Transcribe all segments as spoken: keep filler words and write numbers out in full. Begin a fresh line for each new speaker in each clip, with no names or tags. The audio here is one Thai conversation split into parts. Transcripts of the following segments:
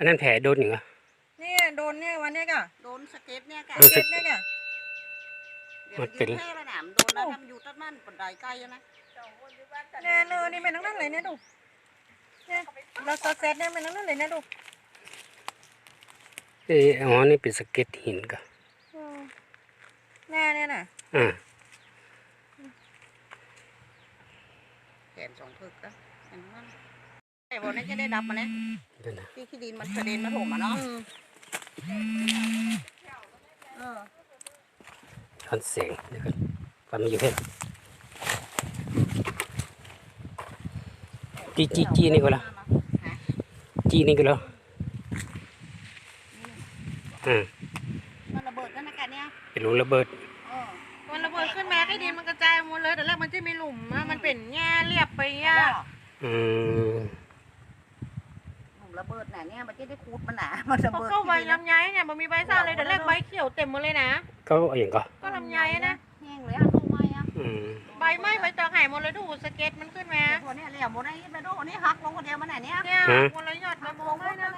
นนั้นแผลโดนอยู่เหรอ
เนี่ยโดนเนี่ยวันเนี้ยก็
โดนสเก็ตเนี่ย
สเก็ตเนี่ยก็
มันเป็นแค่ระดับโดนแล้วทำอยู่ตั้งนั่นปนไดใกล้นะ
เนี่ยเนอนี่เป็นทั้งนั้นเลยเนี่ยดูเนี่ยเราสเก็ตเนี่ยเป็นทั้งนั้นเลยเนี่ยดู
เอออ๋อนี่เป็นสเก็ตหินก็
แน่เนี่ยน่ะ
อ่า
แขนสองพึกก็เห็นมั้ยไอ้บอลนี่จะได้ดับมาเนี่ยที่ขี้ดินมันกระเด็นมาถมมาเนาะ
เออ
คอนเสียงเดี๋ยวกันฟังอยู่เพ่จีจีจีนี่ก็แล้วจีนี่ก็แล้วอืม
มันระเบิดกันนะกันเนี่ย
เป็นรูระเบิด
มันระเบิดขึ้นมาไอ้ดินมันกระจายหมดเลยแต่แรกมันจะมีหลุมมันเป็นแง่เรียบไปแง่
อืม
หลุมระเบิดไหนเนี่ยมันจะได้คูดมันหนามันระเบิด
ก็ใบลำไยเนี่ยมันมีใบซ่าเลยแต่แรกใบเขียวเต็มหมดเลยนะ
ก็อย่างก็
ก็ลำไยนะ
แห้งเลยอ่ะลงไม้อ่ะ
ใบไม้ใบตองหายหมดเลยดูสเก็ตมันขึ้นมา
ตัวนี้เหลี่ยมหมดไอ้ไปดูอันนี้หักลงคนเดียวมันไหนเนี่ย
เนี่ยหมดเลยยอดมามองไม่นะ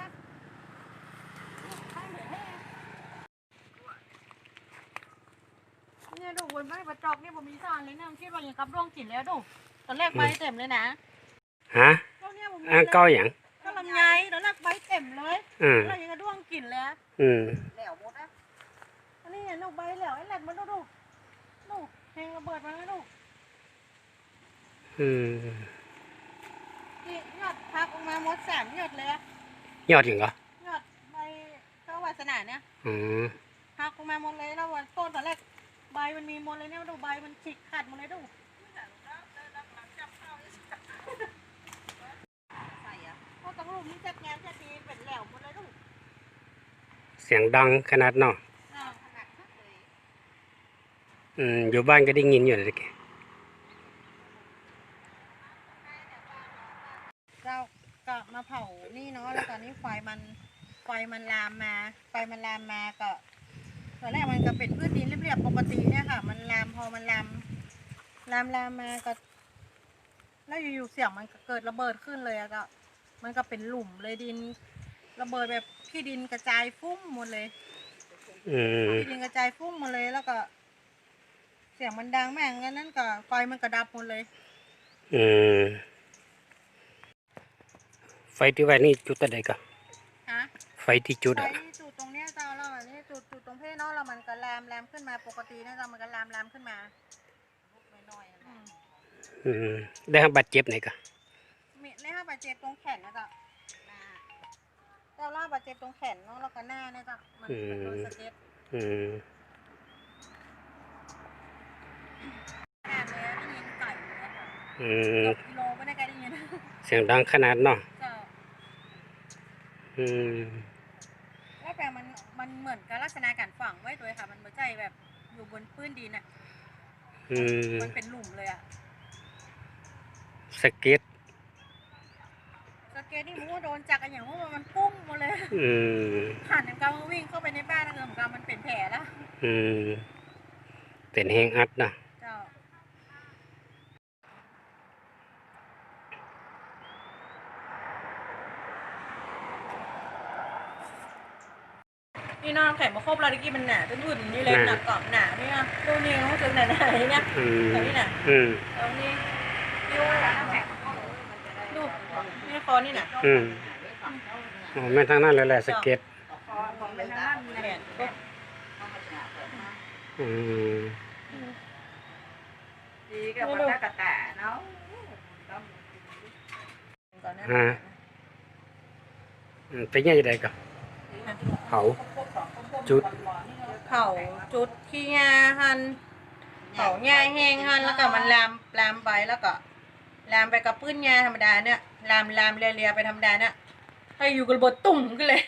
เนี่ยดูบนใบใบตอกนี่ผมมีซ่าเลยนะคิดว่าอย่างกับร่วงกลิ่นแล้วดูตอนแรกใบเต็มเลยนะ
ฮะอ่าเก้าอย่าง
ก็ลำไยตอนแรกใบเต็มเลยแล้วยังกระด้วงกลิ่นเลย
อืม
เหลวหมดนะ
อันนี้เนี่ยลูกใบเหลวไอ้แหลกมันดูดูดูเพลงระเบิดมาแล้วดู
อืม
นี่ยอดพักออกมาหมดสามยอดเลย
ยอดอย่างก็
ยอดใบเข้าวาสนาเนี่ย
อืม
พักออกมาหมดเลยแล้ววันต้นตอนแรกใบมันมีหมดเลยเนี่ยดูใบมันฉีกขาดหมดเลยดูพอตรงรูปนี้จัดงานจัดดีเป็นแหลวหมดเลยดู
เสียงดังขนาดเนาะอืมอยู่บ้านก็ได้ยินอยู่เลยแก
เราก็มาเผานี่เนาะแล้วตอนนี้ไฟมันไฟมันลามมาไฟมันลามมาก็ตอนแรกมันก็เป็นพืชดินเรียบๆปกติเนี่ยค่ะมันลามพอมันลามลามลามมาก็แล้วอยู่ๆเสียงมันเกิดระเบิดขึ้นเลยอะก็มันก็เป็นหลุมเลยดินระเบิดแบบขี้ดินกระจายฟุ้งหมดเลยขี้ดินกระจายฟุ้งหมดเลยแล้วก็เสียงมันดังแม่งงั้นนั่นก็ไฟมันกระดับหมดเลย
อืมไฟที่ไว้นี่จุดอะไรกัน
ฮะ
ไฟที่จุดอะ
ไฟที่จุดตรงเนี้ยเจ้าแล้วนี่จุดจุดตรงเพศเนาะแล้วมันก็ลามลามขึ้นมาปกตินะเจ้ามันก็ลามลามขึ้นมา
น้อย
อืมได้รับบาดเจ็บไหนกัน
มีได้รับบาดเจ็บตรงแขนนะเจ้าเจ้าล่าบาดเจ็บตรงแขนเนาะแล้วก็หน้าเนี่ยเจ้ามันเป็นโดนสเก็ต
อืมอืม
โลไม่ได้ไกลได้ยิน
เสียงดังขนาดเนาะอืม
ว่าแปลมันมันเหมือนกับลักษณะการฝังไว้ตัวค่ะมันไม่ใช่แบบอยู่บนพื้นดินอ่ะ
อืม
มันเป็นหลุมเลยอ่ะ
สเก็ต
สเก็ตนี่มันโดนจักรอย่างว่ามันปุ้งหมดเลย
อืม
ผ่านอย่างการวิ่งเข้าไปในบ้านนั่นเองเหมือนกันมันเป็นแผลแล้ว
อืมเป็นแห้งอัดนะ
นี่น้องแข็งมาครบเราตะกี้มันหนาจนหุ่นนี่เลยหนักกรอบหนานี่นะดูนี่น้องจนหนาหนานี่นะตรงนี้นะตรงนี้ดูดูนี่คอนี่นะ
อืมอ๋อแม่ทางนั้นเลยแหละสเก็ต
เป็นทางนั้นแหละ
อืม
ดีกับมันได้กระแตเนาะ
ฮะเป็นยังไงกันเผาจุด
เผาจุดขี้ยาหันเผาหญ้าแห้งหันแล้วก็มันลามลามไปแล้วก็ลามไปกับปื้นหญ้าธรรมดาเนี่ยลามลามเลียๆไปธรรมดาเนี่ยให้อยู่กับระเบิดตุ่มกันเลย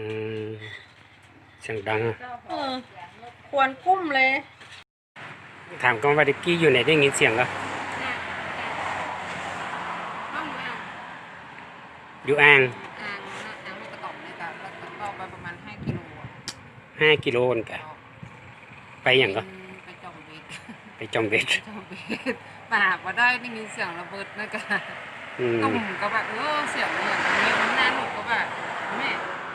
เสียงดัง
ควรกุ้มเลย
ถามกันว่าดิกี้อยู่ไหนได้ยินเสียงก็อยู่อ่างห้ากิโลนกะไปอย่างก็
ไปจอมเบ็ด
ไปจอมเบ็ด
ปากมาได้ได้ยินเสียงระเบิดนะกะตุ่มก็แบบเออเสียงอย่างนี้มันน่าหนุกก็แบบแม่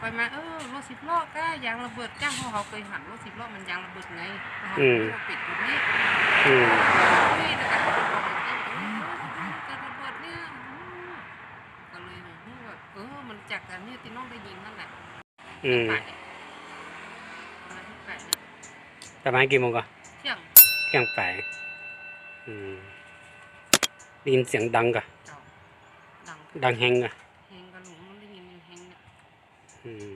ไปมาเออรถสิบล้อก็ยางระเบิดจ้างเพราะเขาเคยหันรถสิบล้อมันยางระเบิดไงเขาปิดอยู่นี่
อืม
นี่แต่การระเบิดการระเบิดเนี่ยก็เลยแบบเออมันจากการนี้ที่น้องได้ยินนั่นแหละ
อืม
ไปวันที่แปดเนี่ย
ประมาณกี่โมงก่อน
เที่ยง
เที่ยงไปอืมได้ยินเสียงดังก่ะ
เจ้าดัง
ดังแฮงก่ะ
เฮงกระหลุมมันได้ยินเฮงเนี่ย
อืม